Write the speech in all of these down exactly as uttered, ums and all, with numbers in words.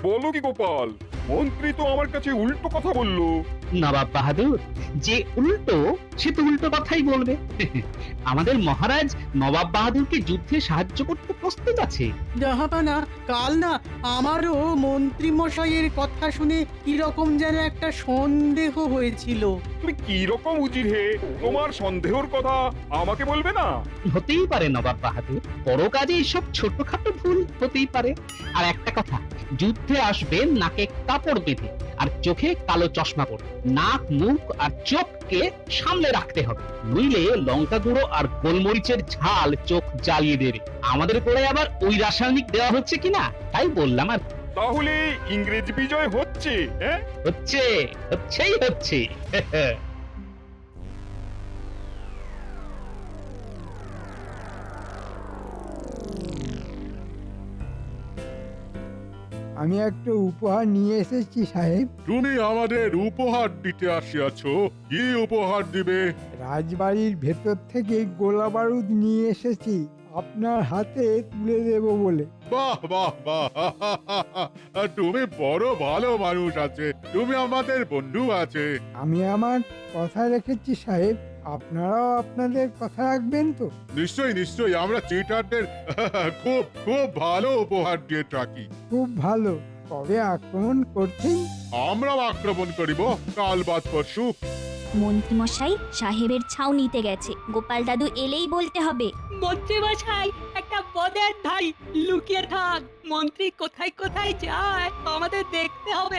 বলো কি গোপাল, মন্ত্রী তো আমার কাছে উল্টো কথা বললো। নবাব বাহাদুর, যে উল্টো সে তো উল্টো কথাই বলবে। আমাদের মহারাজ নবাব বাহাদুরকে যুদ্ধে সাহায্য করতে প্রস্তুত আছে। জাহাপানা, কাল না আমারও মন্ত্রী মশাইয়ের কথা শুনে কিরকম যেন একটা সন্দেহ হয়েছিল। তুমি কি রকম উজির হে, তোমার সন্দেহর কথা আমাকে বলবে না? হতেই পারে নবাব বাহাদুর, বড় কাজে এসব ছোটখাটো ভুল হতেই পারে। আর একটা কথা, যুদ্ধে আসবে নাকে কাপড় বেঁধে আর চোখে কালো চশমা পরে। নাক, মুখ আর চোখকে সামলে রাখতে হবে, নইলে লঙ্কা গুঁড়ো আর গোলমরিচের ঝাল চোখ জ্বালিয়ে দেবে। আমাদের করে আবার ওই রাসায়নিক দেওয়া হচ্ছে কিনা তাই বললাম। আর তাহলে ইংরেজ বিজয় হচ্ছে? হ্যাঁ, হচ্ছে, হচ্ছেই হচ্ছে। আমি একটা উপহার নিয়ে এসেছি সাহেব। তুমি আমাদের উপহার দিতে আসিয়াছ, কি উপহার দিবে? রাজবাড়ির ভেতর থেকে গোলা বারুদ নিয়ে এসেছি আপনার হাতে তুলে দেব বলে। বাহ বাহ বাহ, তুমি বড় ভালো মানুষ আছে, তুমি আমাদের বন্ধু আছে। আমি আমার কথা রেখেছি সাহেব, আপনারাও আপনাদের কথা রাখবেন তো? নিশ্চয়ই নিশ্চয়ই, আমরা চিটারদের খুব খুব ভালো উপহার দিয়ে থাকি। খুব ভালো। কবে আক্রমণ করছেন? আমরাও আক্রমণ করিব কাল বাদ পরশু। মন্ত্রীমশাই সাহেবের ছাউনিতে গেছে, গোপাল দাদু এলেই বলতে হবে। মন্ত্রী মশাই, একটা পদের ধাই লুকিয়ে থাক, মন্ত্রী কোথায় কোথায় যায় আমাদের দেখতে হবে।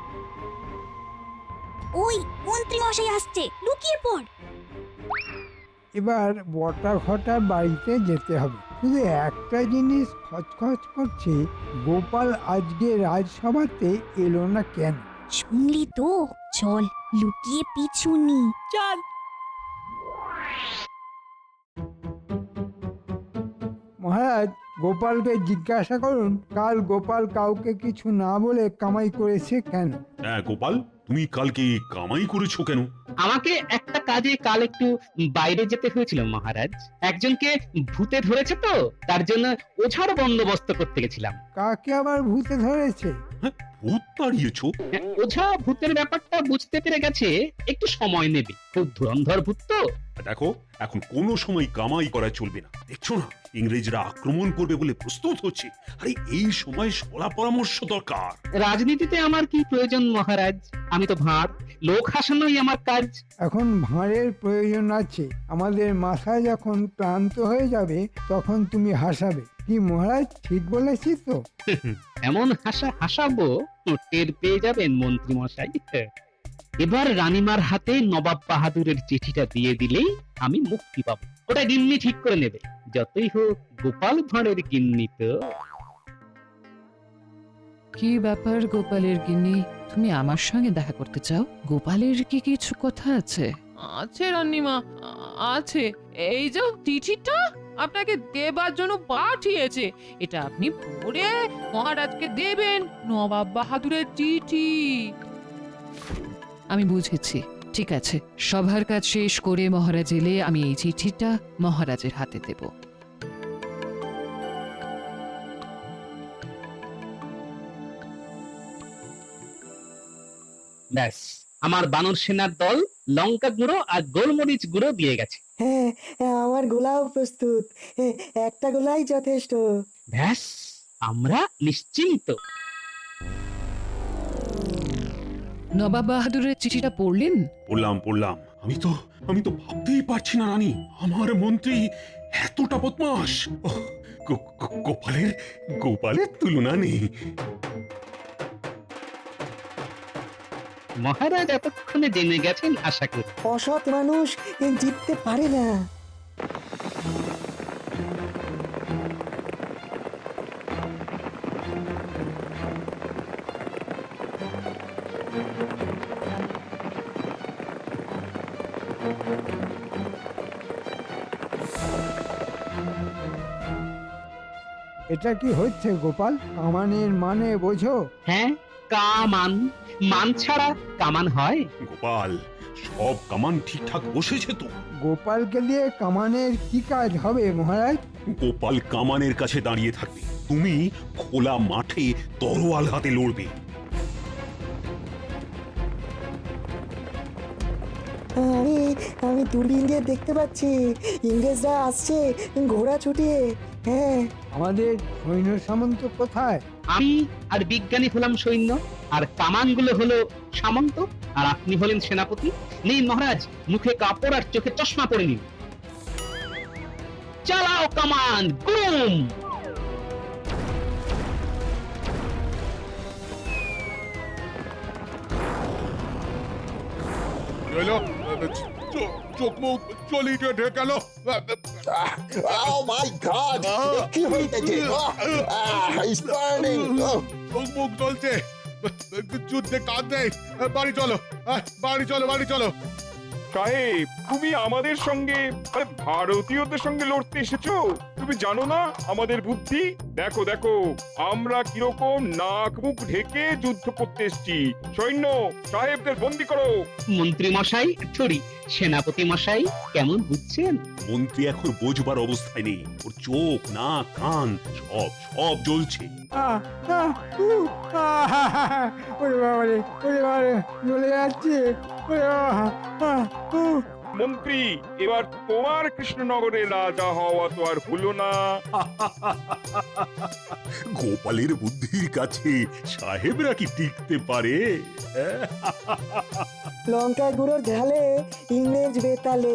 ওই মন্ত্রীমশাই আসছে, লুকিয়ে পড়। এবার বটা ঘটার বাড়িতে যেতে হবে। শুধু একটা জিনিস খচখচ করছে, গোপাল আজকে রাজসভাতে এলো না কেন? শুনলি তো, চল লুকিয়ে পিছু নি। চল। মহারাজ, গোপালকে জিজ্ঞাসা করুন কাল গোপাল কাউকে কিছু না বলে কামাই করেছে কেন। হ্যাঁ গোপাল, তুমি কালকে কামাই করেছো কেন? আমাকে একটা কাজে কাল একটু বাইরে যেতে হয়েছিল মহারাজ। একজনকে ভূতে ধরেছে তো, তার জন্য ওঝার বন্দোবস্ত করতে গেছিলাম। কাকে আবার ভূতে ধরেছে? হ্যাঁ, ভূত তাড়িয়েছো? হ্যাঁ, ওঝা ভূতের ব্যাপারটা বুঝতে পেরে গেছে, একটু সময় নেবে। খুব ধুরন্ধর ভূত তো। দেখো, এখন কোনো সময় কামাই করা চলবে না। দেখছো না, ইংরেজরা আক্রমণ করবে বলে প্রস্তুত হচ্ছে। আরে এই সময় সলা পরামর্শ দরকার। রাজনীতিতে আমার কি প্রয়োজন মহারাজ? আমি তো ভাঁড়, লোক হাসানোই আমার কাজ। এখন ভাঁড়ের প্রয়োজন আছে। আমাদের মাথা যখন ক্লান্ত হয়ে যাবে তখন তুমি হাসাবে। কি মহারাজ, ঠিক বলেছি তো? এমন হাসা হাসাবো টের পেয়ে যাবেন মন্ত্রী মশাই। এবার রানীমার হাতে নবাব বাহাদুরের চিঠিটা দিয়ে দিলেই আমি মুক্তি পাবো। ওটা গিন্নি ঠিক করে নেবে। যতই হোক গোপাল ভাঁড়ের গিন্নি তো। কি ব্যাপার গোপালের গিন্নি, তুমি আমার সঙ্গে দেখা করতে চাও? গোপালের কি কিছু কথা আছে? আছে রান্নিমা, আ- আছে। এই যে চিঠিটা আপনাকে দেবার জন্য পাঠিয়েছে, এটা আপনি পড়ে মহারাজকে দেবেন। নবাব বাহাদুরের চিঠি। আমি বুঝেছি, ঠিক আছে। সভার কাজ শেষ করে মহারাজ এলে আমি এই চিঠিটা মহারাজের হাতে দেব। ব্যাস, আমার বানর সেনার দল লঙ্কা গুঁড়ো আর গোলমরিচ গুঁড়ো দিয়ে গেছে। হ্যাঁ, আমার গোলাও প্রস্তুত, একটা গোলাই যথেষ্ট। ব্যাস, আমরা নিশ্চিন্ত। নবাব বাহাদুরের চিঠিটা পড়লেন? পড়লাম পড়লাম। আমি তো আমি তো ভাবতেই পারছি না রানী, আমার মন্ত্রী এতটা বদমাস। ওহ, গো- গো- গোপালের গোপালের তুলনা নেই। মহারাজ এতক্ষণে জেনে গেছেন আশা করি। অসৎ মানুষ জিততে পারে না। এটা কি হচ্ছে গোপাল? কামানের মানে বোঝো? হ্যাঁ, কামান। মান ছাড়া কামান হয়? গোপাল, সব কামান ঠিকঠাক বসেছে তো? গোপালকে দিয়ে কামানের কি কাজ হবে মহারাজ? গোপাল কামানের কাছে দাঁড়িয়ে থাকবে, তুমি খোলা মাঠে তরোয়াল হাতে লড়বে। আমি আমি দূরবীন দিয়ে দেখতে পাচ্ছি ইংরেজরা আসছে ঘোড়া ছুটিয়ে। হ্যাঁ, আমাদের সৈন্য সামন্ত কোথায়? আমি আর বিজ্ঞানী হলাম সৈন্য, আর কামানগুলো হলো সামন্ত, আর আপনি হলেন সেনাপতি। নিন মহারাজ, মুখে কাপড় আর চোখে চশমা পরে নিন। চালাও কামান, গুম! এলো, চো- চোখ মুখ চলিয়ে ঢেকে গেল। Oh my God! কি হইতেছে? Ah, it's burning! Oh. চোখ মুখ জ্বলছে, যুদ্ধে কাজ নেই। বাড়ি চলো, আহ, বাড়ি চলো, বাড়ি চলো। সাহেব, তুমি আমাদের সঙ্গে আরে ভারতীয়দের সঙ্গে লড়তে এসেছো? তুমি জানো না আমাদের বুদ্ধি? দেখো দেখো, আমরা কিরকম নাক মুখ ঢেকে যুদ্ধ করতে এসেছি। সৈন্য সাহেবদের বন্দি করো। মন্ত্রী মশাই, সরি সেনাপতি মশাই, কেমন বুঝছেন? মন্ত্রী এখন বোঝবার অবস্থায় নেই, ওর চোখ নাক কান সব সব জ্বলছে। আহ, আহ, উহ, আহ, ওরে বাবারে, ওরে বাবারে, জ্বলে যাচ্ছে। ওরে বাবা, আহ, উহ। মন্ত্রী, এবার তোমার কৃষ্ণনগরের রাজা হওয়া তো আর হলো না। গোপালের বুদ্ধির কাছে সাহেবরা কি টিকতে পারে? লঙ্কা গুঁড়োর ঝালে ইংরেজ বেতালে।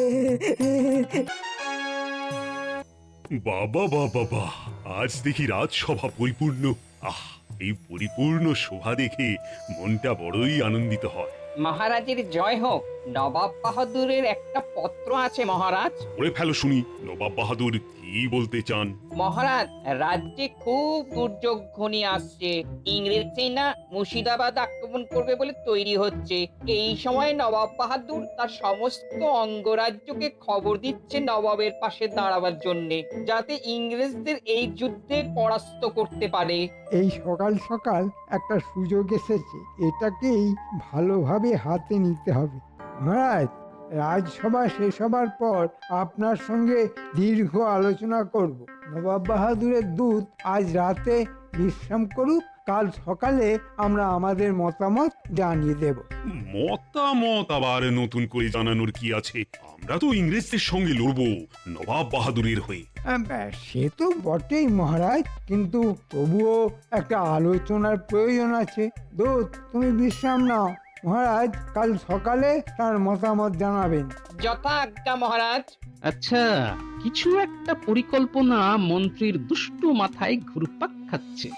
বাবা বাবা বাহ, আজ দেখি রাজসভা পরিপূর্ণ। আহ, এই পরিপূর্ণ শোভা দেখে মনটা বড়ই আনন্দিত হয়। মহারাজের জয় হোক। নবাব বাহাদুরের একটা পত্র আছে মহারাজ। পড়ে ফেলো শুনি, নবাব বাহাদুর কি বলতে চান? মহারাজ, রাজ্যে খুব দুর্যোগ ঘনিয়ে আসছে। ইংরেজ সেনা মুর্শিদাবাদ আক্রমণ করবে বলে তৈরি হচ্ছে। এই সময় নবাব বাহাদুর তার সমস্ত অঙ্গরাজ্যকে খবর দিচ্ছে নবাবের পাশে দাঁড়াবার জন্যে, যাতে ইংরেজদের এই যুদ্ধে পরাস্ত করতে পারে। এই সকাল সকাল একটা সুযোগ এসেছে, এটাকেই ভালোভাবে হাতে নিতে হবে। মহারাজ, রাজসভা শেষ হবার পর আপনার সঙ্গে দীর্ঘ আলোচনা করব। নবাব বাহাদুরের দূত আজ রাতে বিশ্রাম করুক, কাল সকালে আমরা আমাদের মতামত জানিয়ে দেব। মতামত আবার নতুন করে জানানোর কি আছে? আমরা তো ইংরেজদের সঙ্গে লড়বো নবাব বাহাদুরের হয়ে। আম, সে তো বটেই মহারাজ, কিন্তু তবুও একটা আলোচনার প্রয়োজন আছে। দূত, তুমি বিশ্রাম নাও। মহারাজ কাল সকালে তার মতামত জানাবেন। যথা আজ্ঞা মহারাজ। আচ্ছা, কিছু একটা পরিকল্পনা মন্ত্রীর দুষ্টু মাথায় ঘুরপাক খাচ্ছে।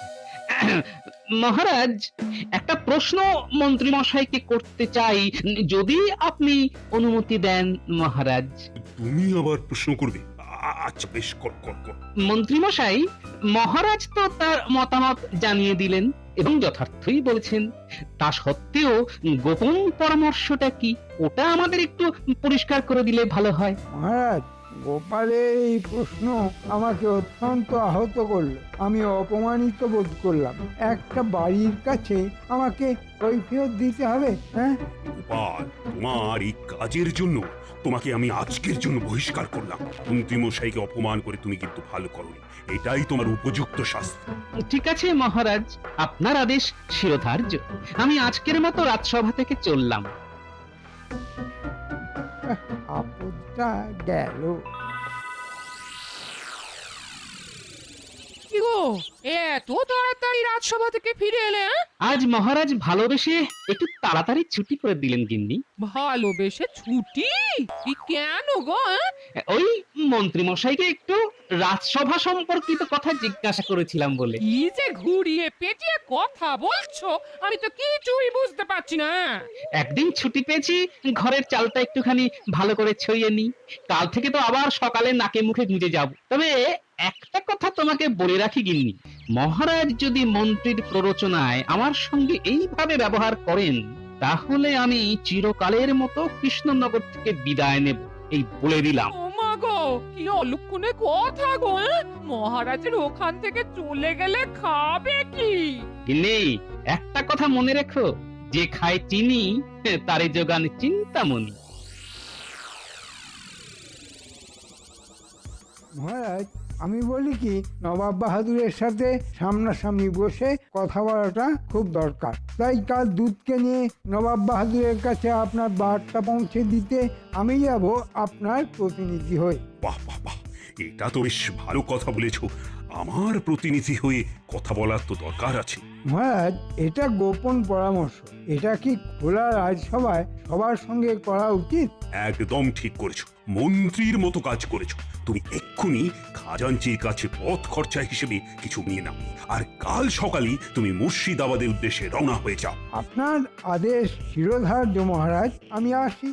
মহারাজ, একটা প্রশ্ন মন্ত্রী মশাইকে করতে চাই, যদি আপনি অনুমতি দেন মহারাজ। তুমি আবার প্রশ্ন করবে? আ- আচ্ছা বেশ, কর কর কর। মন্ত্রী মশাই, মহারাজ তো তার মতামত জানিয়ে দিলেন এবং যথার্থই বলেছেন, তা সত্ত্বেও গোপন পরামর্শটা কি, ওটা আমাদের একটু পরিষ্কার করে দিলে ভালো হয়। মহারাজ, গোপালের এই প্রশ্ন আমাকে অত্যন্ত আহত করলো। আমি অপমানিত বোধ করলাম। একটা বাড়ির কাছে আমাকে কৈফিয়ত দিতে হবে? হ্যাঁ, গোপাল, তোমার এই কাজের জন্য তোমাকে আমি আজকের জন্য বহিষ্কার করলাম। মন্ত্রী মশাইকে অপমান করে তুমি কিন্তু ভালো করোনি, এটাই তোমার উপযুক্ত শাস্তি। ঠিক আছে মহারাজ, আপনার আদেশ শিরোধার্য। আমি আজকের মতো রাজসভা থেকে চললাম। আপদটা গেল। কি গো, এত তাড়াতাড়ি রাজসভা থেকে ফিরে এলে? হ্যাঁ? আজ মহারাজ ভালোবেসে একটু তাড়াতাড়ি ছুটি করে দিলেন গিন্নি। ভালোবেসে ছুটি? কি কেন গো? হ্যাঁ? ওই মন্ত্রী মশাইকে একটু রাজসভা সম্পর্কিত কথা জিজ্ঞাসা করেছিলাম বলে। কি যে ঘুরিয়ে পেঁচিয়ে কথা বলছো, আমি তো কিছুই বুঝতে পারছি না। একদিন ছুটি পেয়েছি, ঘরের চালটা একটুখানি ভালো করে ছড়িয়ে নি। কাল থেকে তো আবার সকালে নাকে মুখে গুঁজে যাব। তবে একটা কথা তোমাকে বলে রাখি গিন্নি, মহারাজ যদি মন্ত্রীর প্ররোচনায় আমার সঙ্গে এইভাবে ব্যবহার করেন, তাহলে আমি চিরকালের মতো কৃষ্ণনগর থেকে বিদায় নেব, এই বলে দিলাম। ও মা গো, কি অলক্ষণে কথা গো! হ্যাঁ? মহারাজের ওখান থেকে চলে গেলে খাবে কি? গিন্নি, একটা কথা মনে রেখো, যে খায় চিনি তারে যোগান চিন্তামণি। মহারাজ, আমি বলি কি, নবাব বাহাদুরের সাথে সামনাসামনি বসে কথা বলাটা খুব দরকার। তাই কাল দুধকে নিয়ে নবাব বাহাদুরের কাছে আপনার বার্তা পৌঁছে দিতে আমি যাব আপনার প্রতিনিধি হয়ে। বাহ বাহ বাহ, এটা তো বেশ ভালো কথা বলেছো। আমার প্রতিনিধি হয়ে কথা বলার তো দরকার আছে। মহারাজ, এটা গোপন পরামর্শ। এটা কি খোলা রাজসভায় সবার সঙ্গে করা উচিত? একদম ঠিক করেছো, মন্ত্রীর মতো কাজ করেছো। তুমি এক্ষুনি খাজাঞ্চির কাছে পথ খরচা হিসেবে কিছু নিয়ে নাও, আর কাল সকালে তুমি মুর্শিদাবাদের উদ্দেশ্যে রওনা হয়ে যাও। আপনার আদেশ শিরোধার্য মহারাজ, আমি আসি।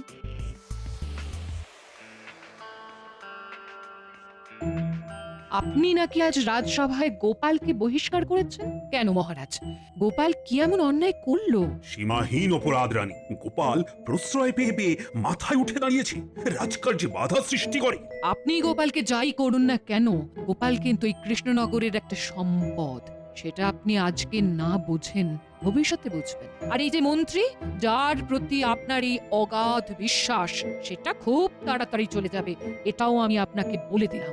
আপনি নাকি আজ রাজসভায় গোপালকে বহিষ্কার করেছেন? কেন মহারাজ, গোপাল কি এমন অন্যায় করলো? সীমাহীন অপরাধ রানী। গোপাল প্রশ্রয় পেয়ে পেয়ে মাথায় উঠে দাঁড়িয়েছে, রাজকার্যে বাধা সৃষ্টি করে। আপনি গোপালকে যাই করুন না কেন, গোপাল কিন্তু এই কৃষ্ণনগরের একটা সম্পদ। সেটা আপনি আজকে না বুঝেন, ভবিষ্যতে বুঝবেন। আর এই যে মন্ত্রী, যার প্রতি আপনার এই অগাধ বিশ্বাস, সেটা খুব তাড়াতাড়ি চলে যাবে, এটাও আমি আপনাকে বলে দিলাম।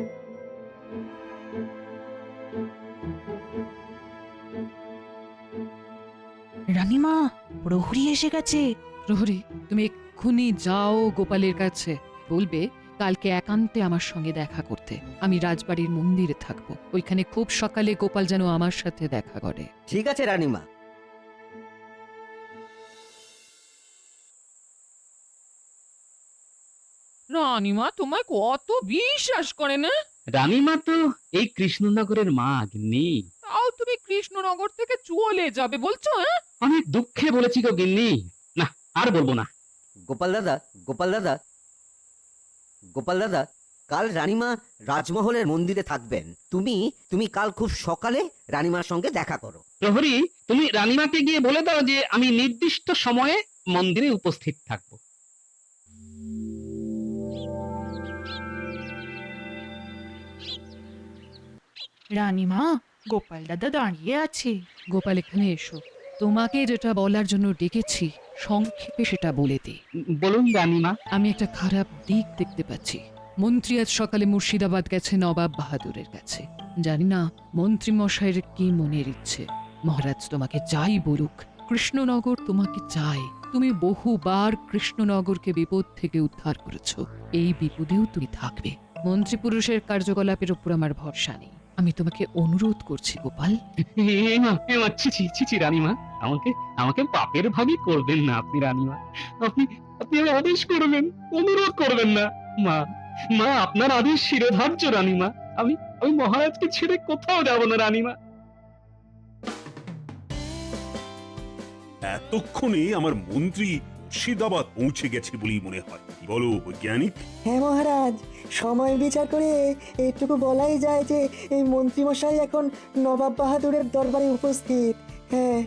রানীমা, প্রহরী এসে গেছে। প্রহরী, তুমি এক্ষুনি যাও গোপালের কাছে, বলবে কালকে একান্তে আমার সঙ্গে দেখা করতে। আমি রাজবাড়ির মন্দিরে থাকবো, ওইখানে খুব সকালে গোপাল যেন আমার সাথে দেখা করে। ঠিক আছে রানীমা। রানীমা তোমায় কত বিশ্বাস করে না? রানীমা তো এই কৃষ্ণনগরের মা গিন্নি। তাও তুমি কৃষ্ণনগর থেকে চলে যাবে বলছো? হ্যাঁ, অনেক দুঃখে বলেছি গো গিন্নি, না আর বলবো না। গোপাল দাদা, গোপাল দাদা, গোপাল দাদা, কাল রানীমা রাজমহলের মন্দিরে থাকবেন। তুমি তুমি কাল খুব সকালে রানীমার সঙ্গে দেখা করো। প্রহরী, তুমি রানীমাকে গিয়ে বলে দাও যে আমি নির্দিষ্ট সময়ে মন্দিরে উপস্থিত থাকবো। রানীমা, গোপাল দাদা দাঁড়িয়ে আছে। গোপাল, এখানে এসো। তোমাকে যেটা বলার জন্য ডেকেছি, সংক্ষেপে সেটা বলে দিই। বলুন রানীমা। আমি একটা খারাপ দিক দেখতে পাচ্ছি। মন্ত্রী আজ সকালে মুর্শিদাবাদ গেছে নবাব বাহাদুরের কাছে। জানি না মন্ত্রী মশাইয়ের কি মনের ইচ্ছে। মহারাজ তোমাকে যাই বলুক, কৃষ্ণনগর তোমাকে চায়। তুমি বহুবার কৃষ্ণনগরকে বিপদ থেকে উদ্ধার করেছো, এই বিপদেও তুমি থাকবে। মন্ত্রী পুরুষের কার্যকলাপের উপর আমার ভরসা নেই। আমি তোমাকে অনুরোধ করছি গোপাল। রানীমা, আমাকে আমাকে পাপের ভাগই করবেন না আপনি রানীমা। আপনি আপনি আদেশ করবেন, অনুরোধ করবেন না। মা মা আপনার আদেশ শিরোধার্য রানীমা। আমি আমি মহারাজকে ছেড়ে কোথাও যাব না রানীমা। এতক্ষণে আমার মন্ত্রী মুর্শিদাবাদ পৌঁছে গেছে বলেই মনে হয়। কি বলো বৈজ্ঞানিক? হ্যাঁ মহারাজ, সময় বিচার করে এইটুকু বলাই যায় যে এই মন্ত্রীমশাই এখন নবাব বাহাদুরের দরবারে উপস্থিত। হ্যাঁ।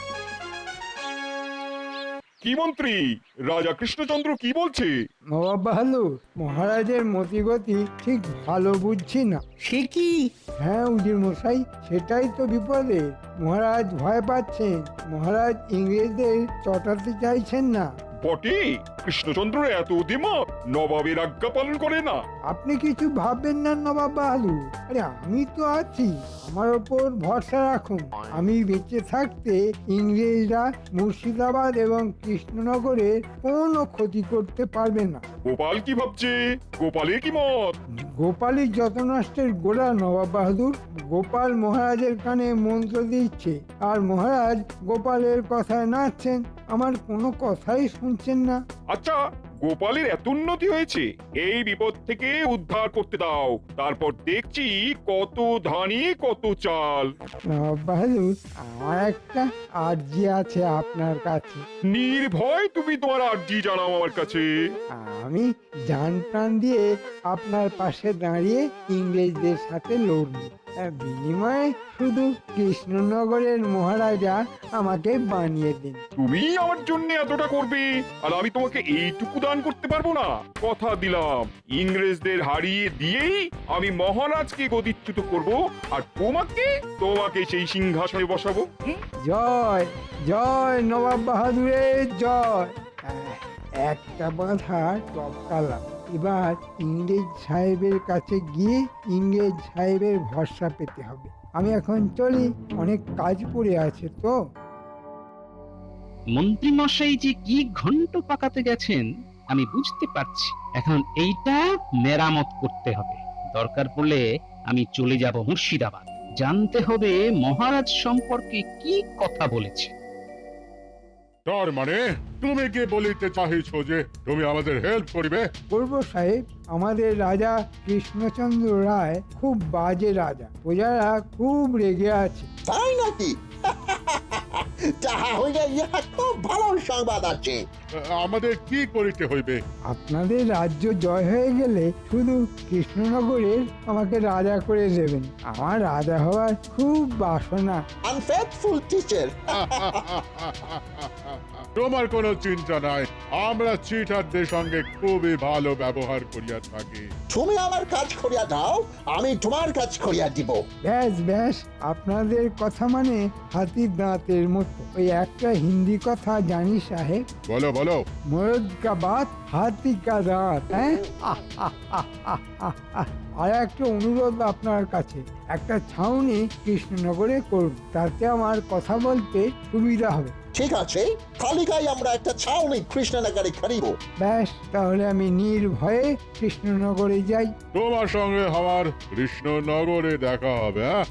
কি মন্ত্রী, রাজা কৃষ্ণচন্দ্র কি বলছে? নবাব বাহাদুর, মহারাজের মতিগতি ঠিক ভালো বুঝছি না। সে কি? হ্যাঁ উজির মশাই, সেটাই তো বিপদে। মহারাজ ভয় পাচ্ছেন, মহারাজ ইংরেজদের চটাতে চাইছেন না। বটে, কৃষ্ণচন্দ্র এত দ্বিমত, নবাবের আজ্ঞা পালন করে না। আপনি কিছু ভাববেন না নবাব বাহাদুর, আরে আমি তো আছি, আমার ওপর ভরসা রাখুন। আমি বেঁচে থাকতে ইংরেজরা মুর্শিদাবাদ এবং কৃষ্ণনগরের কোনো ক্ষতি করতে পারবে না। গোপাল কি ভাবছে? গোপালের কি মত? গোপালই যত নষ্টের গোড়া নবাব বাহাদুর। গোপাল মহারাজের কানে মন্ত্র দিচ্ছে, আর মহারাজ গোপালের কথায় নাচছেন, আমার কোনো কথাই শুনছেন না। আচ্ছা, গোপালের এত উন্নতি হয়েছে, এই বিপদ থেকে উদ্ধার করতে দাও, তারপর দেখছি কত ধানি কত চাল। নবাব বাহাদুর, আমার একটা আর্জি আছে আপনার কাছে। নির্ভয় তুমি তোমার আর্জি জানাও আমার কাছে। আমি জান প্রাণ দিয়ে আপনার পাশে দাঁড়িয়ে ইংরেজদের সাথে লড়ব। আহ, বিনিময়ে শুধু কৃষ্ণনগরের মহারাজা আমাকে বানিয়ে দিন। তুমি আমার জন্য এতটা করবে আর আমি তোমাকে এইটুকু দান করতে পারবো না? কথা দিলাম ইংরেজদের হারিয়ে দিয়েই আমি মহারাজকে গদিচ্যুত করব আর তোমাকে তোমাকে সেই সিংহাসনে বসাবো। হুম? জয় জয় নবাব বাহাদুরের জয়। আহ, একটা বাধা টপকালাম, এবার ইংরেজ সাহেবের কাছে গিয়ে ইংরেজ সাহেবের ভরসা পেতে হবে। আমি এখন চলি, অনেক কাজ পড়ে আছে তো। মন্ত্রী মশাই যে কি ঘন্ট পাকাতে গেছেন আমি বুঝতে পারছি। এখন এইটা মেরামত করতে হবে। দরকার পড়লে আমি চলে যাব মুর্শিদাবাদ, জানতে হবে মহারাজ সম্পর্কে কি কথা বলেছে। তার মানে তুমি কি বলিতে চাহিছো যে তুমি আমাদের হেল্প করিবে? করব সাহেব, আমাদের রাজা কৃষ্ণচন্দ্র রায় খুব বাজে রাজা, প্রজারা খুব রেগে আছে। তাই নাকি? তাহা হইলে ইহা খুব ভালো সংবাদ আছে। আমাদের কি করিতে হইবে? আপনাদের রাজ্য জয় হয়ে গেলে শুধু কৃষ্ণনগরের আমাকে রাজা করে দেবেন। আমার রাজা হওয়ার খুব বাসনা। Unfaithful teacher. তোমার কোনো চিন্তা নাই, আমরা চিটারদের সঙ্গে খুবই ভালো ব্যবহার করিয়া থাকি। তুমি আমার কাজ করিয়া দাও, আমি তোমার কাজ করিয়া দিব। ব্যাস ব্যাস, আপনাদের কথা মানে হাতির দাঁতের মতো। ওই একটা হিন্দি কথা জানি সাহেব, বলো বলো। মরদ কা বাত হাতি কা দাঁত। হ্যাঁ, আর একটা অনুরোধ আপনার কাছে, একটা ছাউনি কৃষ্ণনগরে করুন, তাতে আমার কথা বলতে সুবিধা হবে। ঠিক আছে, কালিকায় আমরা একটা ছাউনি কৃষ্ণনগরে করিব। ব্যাস, তাহলে আমি নির্ভয়ে কৃষ্ণনগরে যাই। তোমার সঙ্গে আমার কৃষ্ণনগরে দেখা হবে। হ্যাঁ,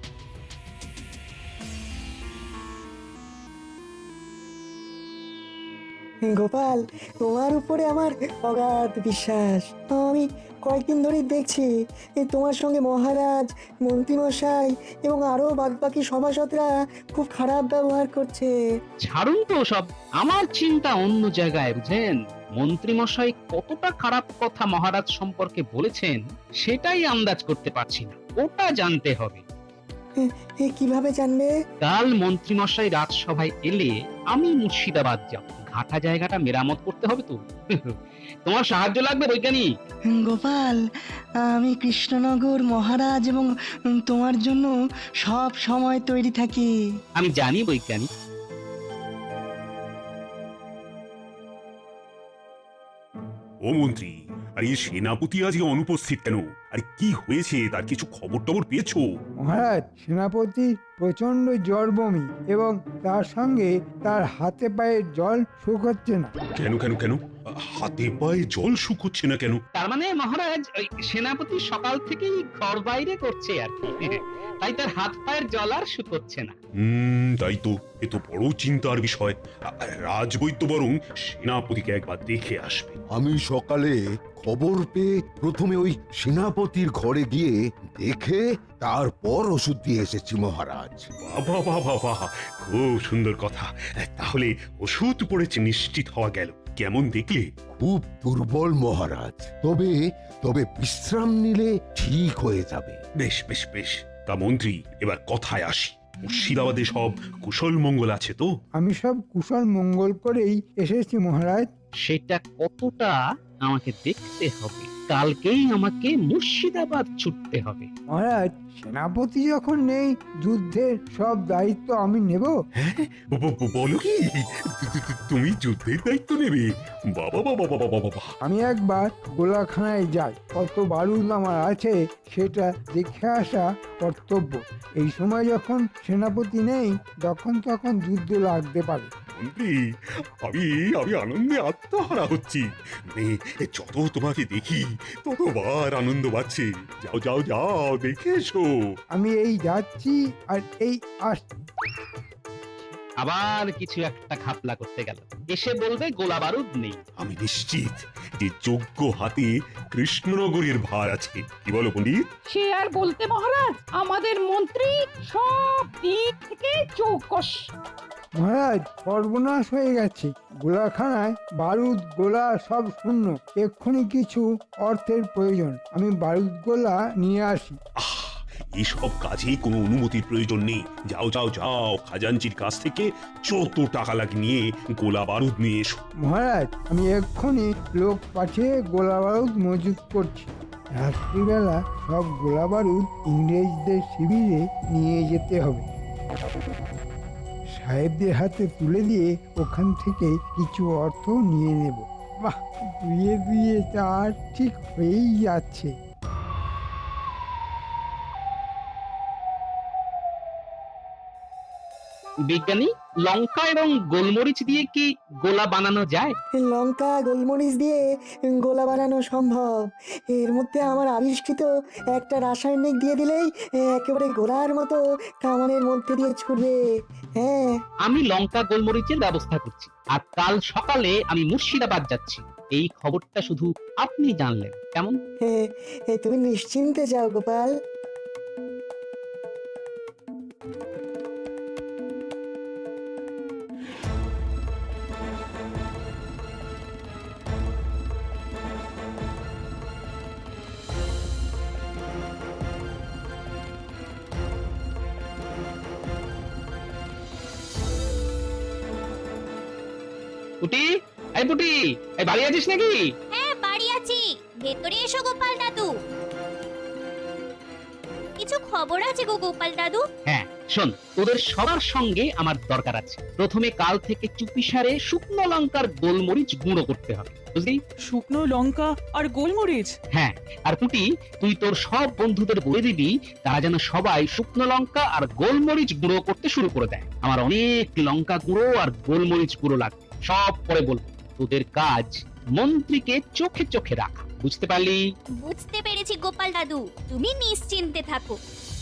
গোপাল, তোমার উপরে আমার অগাধ বিশ্বাস। আমি কয়েকদিন ধরেই দেখছি এই তোমার সঙ্গে মহারাজ, মন্ত্রীমশাই এবং আরো বাদবাকি সভাসদরা খুব খারাপ ব্যবহার করছে। ছাড়ুন তো সব, আমার চিন্তা অন্য জায়গায়। বুঝেন, মন্ত্রী মশাই কতটা খারাপ কথা মহারাজ সম্পর্কে বলেছেন সেটাই আন্দাজ করতে পারছি না, ওটা জানতে হবে। এ কিভাবে জানবে? কাল মন্ত্রী মশাই রাজসভায় এলে আমি মুর্শিদাবাদ যাব, ঘাটা জায়গাটা মেরামত করতে হবে তো। তোমার সাহায্য লাগবে বৈজ্ঞানিক। গোপাল, আমি কৃষ্ণনগর, মহারাজ এবং তোমার জন্য সব সময় তৈরি থাকি। আমি জানি বৈজ্ঞানিক। ও মন্ত্রী, আর এই সেনাপতি আজকে অনুপস্থিত কেন? আর কি হয়েছে তার কিছু খবর টবর পেয়েছো? মহারাজ, সেনাপতির প্রচন্ড জ্বর, বমি এবং তার সঙ্গে তার হাতে পায়ে জল শুকোচ্ছে না। কেন কেন কেন হাতে পায়ে জল শুকোচ্ছে না কেন? তার মানে মহারাজ ওই সেনাপতি সকাল থেকেই ঘর বাইরে করছে আর কি, তাই তার হাত পায়ের জল আর শুকোচ্ছে না। হুম, তাই তো, এ তো বড় চিন্তার বিষয়। রাজবৈদ্য বরং সেনাপতিকে একবার দেখে আসবে। আমি সকালে খবর পেয়ে প্রথমে ওই সেনাপতির ঘরে গিয়ে দেখে তারপর ওষুধ দিয়ে এসেছি মহারাজ। বাবা বাবা বাবা, খুব সুন্দর কথা। তাহলে ওষুধ পড়েছে নিশ্চিত হওয়া গেল। কেমন দেখলে? খুব দুর্বল মহারাজ, তবে তবে বিশ্রাম নিলে ঠিক হয়ে যাবে। বেশ বেশ বেশ। তা মন্ত্রী, এবার কথায় আসি। মুর্শিদাবাদে সব কুশল মঙ্গল আছে তো? আমি সব কুশল মঙ্গল করেই এসেছি মহারাজ। সেটা কতটা আমাকে দেখতে হবে, কালকেই আমাকে মুর্শিদাবাদ ছুটতে হবে। মহারাজ, সেনাপতি যখন নেই, যুদ্ধের সব দায়িত্ব আমি নেব। বলো কি, তুমি যুদ্ধের দায়িত্ব নেবে? বাবা বাবা বাবা বাবা। আমি একবার গোলাখানায় যাই, কত বারুদ আমার আছে সেটা দেখে আসা কর্তব্য। এই সময় যখন সেনাপতি নেই, তখন তখন যুদ্ধ লাগতে পারে। মন্ত্রী, আমি আমি আনন্দে আত্মহারা হচ্ছি। মানে যত তোমাকে দেখি ততবার আনন্দ পাচ্ছি। যাও যাও যাও, দেখে এসো। আমি এই যাচ্ছি আর এই আসছি। আবার কিছু একটা ঘাপলা করতে গেল, এসে বলবে গোলা বারুদ নেই। আমি নিশ্চিত যে যোগ্য হাতে কৃষ্ণনগরের ভার আছে। কি বলো পণ্ডিত? সে আর বলতে মহারাজ, আমাদের মন্ত্রী সব দিক থেকে চৌকস। মহারাজ, সর্বনাশ হয়ে গেছে। গোলাখানায় বারুদ গোলা সব শূন্য। এক্ষুনি কিছু অর্থের প্রয়োজন, আমি বারুদ গোলা নিয়ে আসি। এসব কাজে কোনো অনুমতির প্রয়োজন নেই। যাও যাও যাও, খাজাঞ্চির কাছ থেকে যত টাকা লাগে নিয়ে গোলা বারুদ নিয়ে এসো। মহারাজ, আমি এক্ষুনি লোক পাঠিয়ে গোলা বারুদ মজুত করছি। রাত্রিবেলা সব গোলা বারুদ ইংরেজদের শিবিরে নিয়ে যেতে হবে। সাহেবদের হাতে তুলে দিয়ে ওখান থেকে কিছু অর্থ নিয়ে নেব। বাহ, দুয়ে দুয়ে চার ঠিক হয়েই যাচ্ছে। বিজ্ঞানী, লঙ্কা এবং গোলমরিচ দিয়ে কি গোলা বানানো যায়? লঙ্কা গোলমরিচ দিয়ে গোলা বানানো সম্ভব। এর মধ্যে আমার আবিষ্কৃত একটা রাসায়নিক দিয়ে দিলেই একেবারে গোলার মতো কামানের মধ্যে দিয়ে ছুটবে। হ্যাঁ, আমি লঙ্কা গোলমরিচের ব্যবস্থা করছি, আর কাল সকালে আমি মুর্শিদাবাদ যাচ্ছি। এই খবরটা শুধু আপনি জানলেন, কেমন? হ্যাঁ, তুমি নিশ্চিন্তে যাও গোপাল। পুটি, এই পুটি, এই বাড়ি আছিস নাকি? হ্যাঁ, বাড়ি আছি। ভেতরে এসো গোপাল দাদু। কিছু খবর আছে গো গোপাল দাদু। হ্যাঁ, শোন, তোদের সবার সঙ্গে আমার দরকার আছে। প্রথমে কাল থেকে চুপিসারে শুকনো লঙ্কার গোলমরিচ গুঁড়ো করতে হবে, বুঝলি? শুকনো লঙ্কা আর গোলমরিচ? হ্যাঁ, আর পুটি, তুই তোর সব বন্ধুদের বলে দিবি তারা যেন সবাই শুকনো লঙ্কা আর গোলমরিচ গুঁড়ো করতে শুরু করে দেয়। আমার অনেক লঙ্কা গুঁড়ো আর গোলমরিচ গুঁড়ো লাগবে। সব পরে বলবো। তোদের কাজ মন্ত্রীকে চোখে চোখে রাখা, বুঝতে পারলি? বুঝতে পেরেছি গোপাল দাদু, তুমি নিশ্চিন্তে থাকো।